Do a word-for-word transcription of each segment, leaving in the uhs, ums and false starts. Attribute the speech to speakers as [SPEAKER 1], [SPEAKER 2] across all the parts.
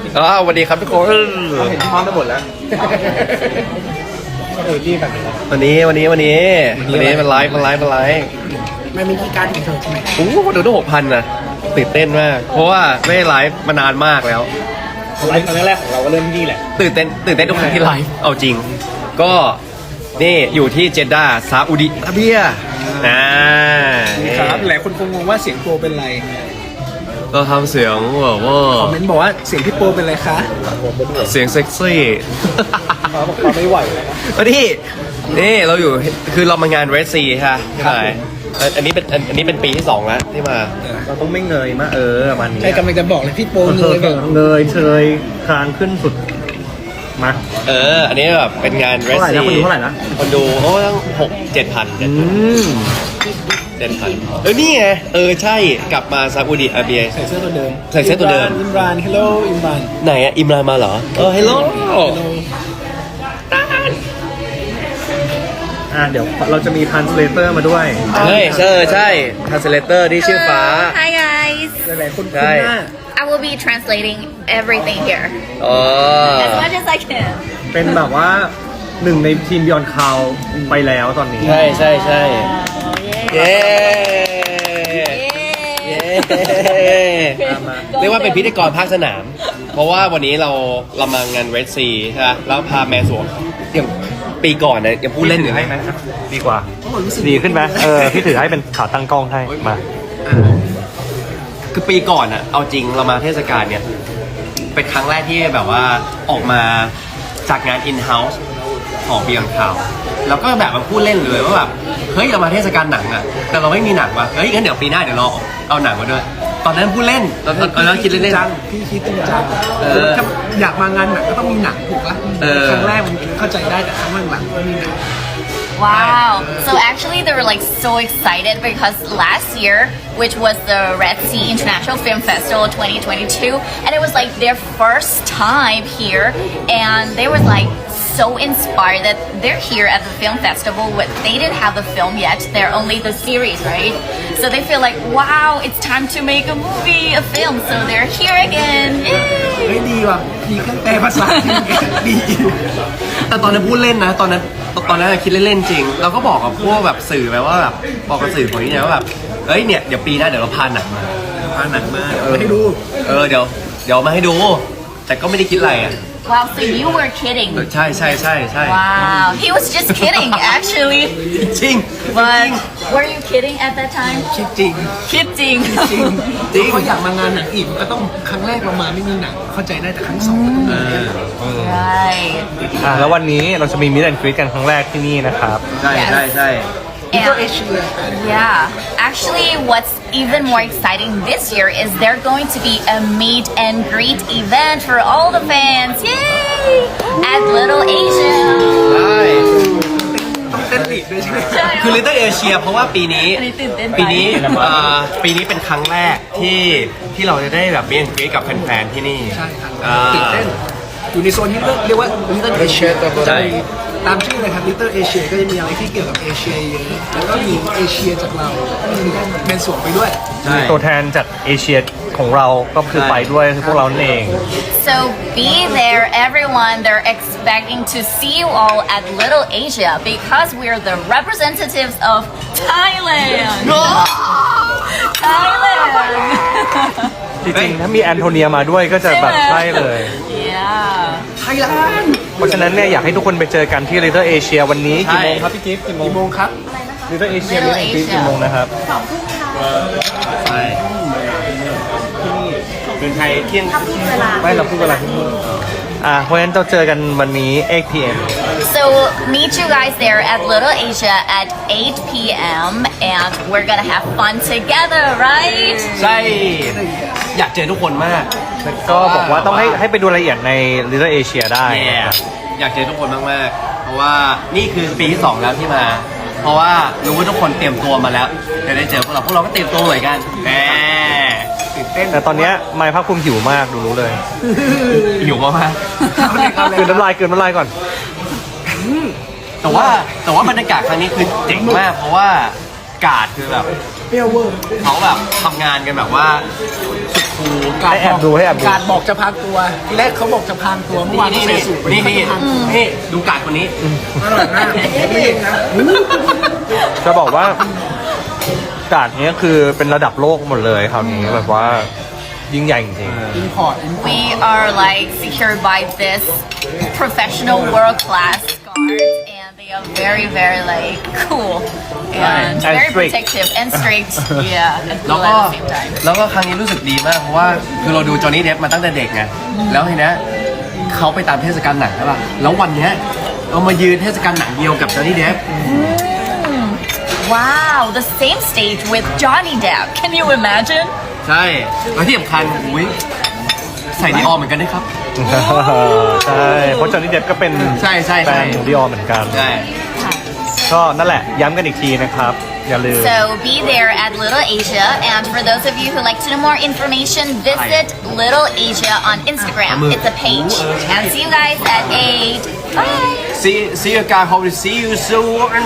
[SPEAKER 1] อ๋อสวัสดีครับทุกคน
[SPEAKER 2] เราเห็นที่พร้อมทั้งหมดแล้วเออรีบแบบนี้
[SPEAKER 1] วันนี้วันนี้วันนี้วันนี้มันไลฟ์มันไลฟ์มันไลฟ์
[SPEAKER 2] มันมีที่การถึงเธอใช่ไหม
[SPEAKER 1] โอ้โหดูตั้งหกพันนะตื่นเต้นมาก เพราะว่าไม่ได้ไลฟ์มานานมากแล้ว
[SPEAKER 2] ไลฟ์ครั้งแรกของเราก็เริ่มที่แหละ
[SPEAKER 1] ตื่นเต้นตื่นเต้นทุกครั้งที่ไลฟ์เอาจริง ก็นี่อยู่ที่เจด้าซาอุดิอาระเบียอ่า
[SPEAKER 2] ครับหลายคนคงงงว่าเสียงโปรเป็นไร
[SPEAKER 1] เราทำเสียงแบบว่า
[SPEAKER 2] คอมเมนต์บอกว่าเสียงพี่โปรเป็นไรคะ
[SPEAKER 1] เสียงเซ็กซี่
[SPEAKER 2] เขาบอกเขาไม่ไหวแล้วนะ
[SPEAKER 1] วันนี้นี่เราอยู่คือเรามางานเรสซีค่ะใช่อันนี้เป็นอันนี้เป็นปีที่สองแล้วที่มา
[SPEAKER 3] เราต้องไม่เงยมากเออมัน
[SPEAKER 2] ใช่กำลังจะบอกเลยพี่โปร
[SPEAKER 3] เง
[SPEAKER 2] เลย ยแบบ
[SPEAKER 3] เงยเชยคางขึ้นสุดมา
[SPEAKER 1] เออ อันนี้แบบเป็นงานเรส
[SPEAKER 3] เท่าไหร่
[SPEAKER 1] ซี
[SPEAKER 3] นะคนดูเท่าไหร่นะ
[SPEAKER 1] คนดูโอ้ตั้งหกเจ็ดพัน
[SPEAKER 3] อืม
[SPEAKER 1] เจ็ดพันเออนี่ไงเออใช่กลับมาซาอุดิอาระเบีย
[SPEAKER 2] ใส่เสื้อตัวเดิม
[SPEAKER 1] ใส่เสื้อตัวเดิม
[SPEAKER 2] อิมรานฮัลโหลอิมราน
[SPEAKER 1] ไหนอะอิมรานมาเหรอเออฮัลโหล
[SPEAKER 3] อ่ะเดี๋ยวเราจะมีทันสเลเตอร์มาด้วย
[SPEAKER 1] เฮ้ยเออใช่ทันสเลเตอร์ที่ชื่อฟ้า
[SPEAKER 4] Hi guys.
[SPEAKER 2] หลายๆคนคุ้น
[SPEAKER 1] ใช่
[SPEAKER 2] หน้า
[SPEAKER 4] I will be translating everything here
[SPEAKER 1] อ๋อ
[SPEAKER 4] as much as I can.
[SPEAKER 3] เป็นแบบว่าหนึ่งในทีมยอนคาวไปแล้วตอนนี้
[SPEAKER 1] ใช่ใช่ใช่เย้เย้ เรียกว่าเป็นพิธีกรภาคสนาม เพราะว่าวันนี้เราเรามางานเรดซีใช่ไหมแล้วพาแมนสวงอย่างปีก่อนนะยังพูดเล่นอยู่เลย
[SPEAKER 3] ดีกว่า ดีขึ้นไหมเออพี่ถือให้เป็นขาตั้งกล้องให้มา
[SPEAKER 1] คือปีก่อนอะเอาจริงเรามาเทศกาลเนี่ย เป็นครั้งแรกที่แบบว่าออกมาจากงาน in-house ของ Beyond Cloud แล้วก็แบบมาพูดเล่นเลยว่าแบบเฮ้ยเรามาเทศกาลหนังอะแต่เราไม่มีหนังว่ะเฮ้ยงั้นเดี๋ยวปีหน้าเดี๋ยวเราเอาหนังมาด้วย ตอนนั้นพูดเล่นตอนตอนตอนนั้นคิดเล่น
[SPEAKER 2] จังพี่คิดจริงจัง
[SPEAKER 1] เออ
[SPEAKER 2] ถ้าอยากมางานหนังก็ต้องมีหนังถูกปะ
[SPEAKER 1] เออ
[SPEAKER 2] ครั้งแรกมันเข้าใจได้แต่ครั้งหลังๆไม่มีหนัง
[SPEAKER 4] Wow. So actually they were like so excited because last year, which was the Red Sea International Film Festival twenty twenty-two, and it was like their first time here, and they were like so inspired that they're here at the film festival but they didn't have the film yet, they're only the series, right? So they feel like, wow, it's time to make a movie, a film, so they're here again.
[SPEAKER 2] เฮ้ย
[SPEAKER 4] Yay!
[SPEAKER 2] ดีว่ะมีเครื่องแปลภาษาที่ดี
[SPEAKER 1] แต่ตอนนั้นพูดเล่นนะ ตอนนั้นตอนนั้นคิดเล่นๆจริง เราก็บอกกับพวกแบบสื่อไปว่าแบบบอกกับสื่อคนนี้เนี่ยว่าแบบเอ้ยเนี่ยเดี๋ยวปีหน้าเดี๋ยวเราพาหนังมาพาหนังมา
[SPEAKER 2] เดี๋ยวให้ดู
[SPEAKER 1] เออเดี๋ยวเดี๋ยวมาให้ดู แต่ก็ไม่ได้คิดอะไรอ่ะ
[SPEAKER 4] Wow, so you were kidding.
[SPEAKER 1] ใช่ใช่ใช่ใช่
[SPEAKER 4] Wow, he was just kidding actually.
[SPEAKER 1] จริง
[SPEAKER 4] But were you kidding at that time?
[SPEAKER 2] คิดจริง
[SPEAKER 4] Kidding.
[SPEAKER 2] จริง
[SPEAKER 1] จริง
[SPEAKER 2] เขาอยากมางานหนังอีกก็ต้องครั้งแรกเรามาไม่มีหนังเข้าใจได้แต่ครั้งสองก็ต้องมี
[SPEAKER 4] Right.
[SPEAKER 3] อ่ะแล้ววันนี้เราจะมีมิสแอนด์กรีตกันครั้งแรกที่นี่นะครับ
[SPEAKER 1] ใช่ใช่ใช่
[SPEAKER 4] And, yeah, actually what's even more exciting this year is they're going to be a meet and greet event for all the fans. Yay! At Little Asia.
[SPEAKER 1] ใช่
[SPEAKER 2] ต้องเต้นลีดด้วยใช่ไหม
[SPEAKER 1] คือ Little Asia เพราะว่าปีนี้
[SPEAKER 4] อันนี้ตื่นเต้นไป
[SPEAKER 1] ปีนี้เอ่อปีนี้เป็นครั้งแรกที่ที่เราจะได้แบบเบียนกรีกับแฟนๆที่นี่
[SPEAKER 2] ใช่ครับ
[SPEAKER 1] อ่า
[SPEAKER 2] ตื่นเต้นอยู่ในโซนนี้ก็เรียกว่า Little Asia
[SPEAKER 1] ใช่
[SPEAKER 2] ตามชื่อเลยครับ Little Asia ก็จะมีอะไรที่เกี่ยวกับเอเชียเยอะแล้วก็มีเอเชียจากเราเป็นส่วนไปด้วย
[SPEAKER 1] ใช่
[SPEAKER 3] ตัวแทนจากเอเชียของเราก็คือไปด้วยคือพวกเรานั่นเอง
[SPEAKER 4] So be there, everyone. They're expecting to see you all at Little Asia because we're the representatives of Thailand. Thailand.
[SPEAKER 3] จริงๆถ้ามีแอนโทเนียมาด้วยก็จะแบบใช่เลย
[SPEAKER 4] Yeah.
[SPEAKER 2] ไทยแลนด์
[SPEAKER 3] เพราะฉะนั้นเนี่ยอยากให้ทุกคนไปเจอกันที่ Little Asia วันนี้กี่โมงครับพี่กิฟต์กี่โมง
[SPEAKER 2] กี่โมงครับ
[SPEAKER 3] Little Asia
[SPEAKER 4] Little
[SPEAKER 3] มิสแอนด์กรีต
[SPEAKER 4] Asia
[SPEAKER 3] กี่โมงนะครับ
[SPEAKER 1] ใช่เป็นไทยเที่ยง
[SPEAKER 3] ไม่เราพูดเวลาที่นี่อ่าเพราะฉะนั้นเราเจอกันวันนี้ eight p m
[SPEAKER 4] So meet you guys there at Little Asia at eight p m and we're gonna have fun together, right?
[SPEAKER 1] ใช่ อยากเจอทุกคนมาก
[SPEAKER 3] แล้วก็บอกว่าต้องให้ให้ไปดูรายละเอียดใน Little Asia ได้
[SPEAKER 1] แย่
[SPEAKER 3] นะครับ
[SPEAKER 1] อยากเจอทุกคนมากๆ เพราะว่านี่คือปีที่สองแล้วที่มา เพราะว่ารู้ว่าทุกคนเตรียมตัวมาแล้วจะได้เจอพวกเราพวกเราก็เตรียมตัวเหมือนกันแหม
[SPEAKER 2] ตื่นเต้น
[SPEAKER 3] แต่ตอนเนี้ยไมค์ภาคภูมิหิวมากดูรู้เลย
[SPEAKER 1] หิวมาก
[SPEAKER 3] กลืนน้ำลายกลืนน้ำลายก่อน
[SPEAKER 1] ๆแต่ว่าแต่ว่าบรรยากาศครั้งนี้คือเจ๋งมาก เพราะว่ากาดคือแบบ
[SPEAKER 2] เปรี้ยวเวอร์
[SPEAKER 1] เขาแบบทำงานกันแบบว่าสุดคูล
[SPEAKER 2] การ
[SPEAKER 3] ให้แอบดูให้แอบดู
[SPEAKER 2] การบอกจะพรางตัว ทีแรกเขาบอกจะพรางตัวเมื่อวาน
[SPEAKER 1] นี่
[SPEAKER 2] เขา
[SPEAKER 1] นี่
[SPEAKER 2] ใส่สูท
[SPEAKER 1] นี่นี่
[SPEAKER 2] เขาจะพรางตัว
[SPEAKER 1] นี่ดูการดคนนี้
[SPEAKER 2] อร่อยมากไม่เองนะ
[SPEAKER 3] จะบอกว่าการนี้คือเป็นระดับโลกหมดเลยคราวนี้แบบว่ายิ่งใหญ่จริง
[SPEAKER 2] อินพอร์ตอินพอร์ต
[SPEAKER 4] We are like secured by this professional world class guards and they are very very like cool and
[SPEAKER 3] And
[SPEAKER 4] very
[SPEAKER 3] strict.
[SPEAKER 4] protective and strict yeah and
[SPEAKER 1] แล้ว
[SPEAKER 4] cool
[SPEAKER 1] ก็
[SPEAKER 4] at the same time
[SPEAKER 1] แล้วก็ครั้งนี้รู้สึกดีมากเพราะว่าคือเราดูจอห์นนี่เดฟมาตั้งแต่เด็กไงแล้วทีเนี้ยเขาไปตามเทศกาลหนังใช่ป่ะแล้ววันเนี้ยเรามายืนเทศกาลหนังเดียวกับจอห์นนี่เดฟ
[SPEAKER 4] Wow the same stage with Johnny Depp can you imagine
[SPEAKER 1] ใช่แล้วที่สำคัญอุ้ยใส่ดีออเหมือนกันด้วยครับ
[SPEAKER 3] ๆ ใช่เพราะจอห์นนี่เดฟก็เป็น
[SPEAKER 1] ใช่ใช่
[SPEAKER 3] แฟ
[SPEAKER 1] ใช่
[SPEAKER 3] นของดิออเหมือนกัน
[SPEAKER 1] ใช่
[SPEAKER 3] ก็นั่นแหละย้ำกันอีกทีนะครับ อย่าลืม
[SPEAKER 4] So be there at Little Asia and for those of you who like to know more information visit Little Asia on Instagram it's a page and see you guys at eight bye
[SPEAKER 1] see see you guys hope to see you soon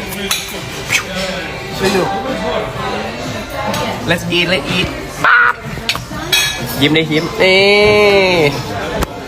[SPEAKER 1] ช่วยดู let's eat let's eat ยิ้มได้ยิ้มเอ๊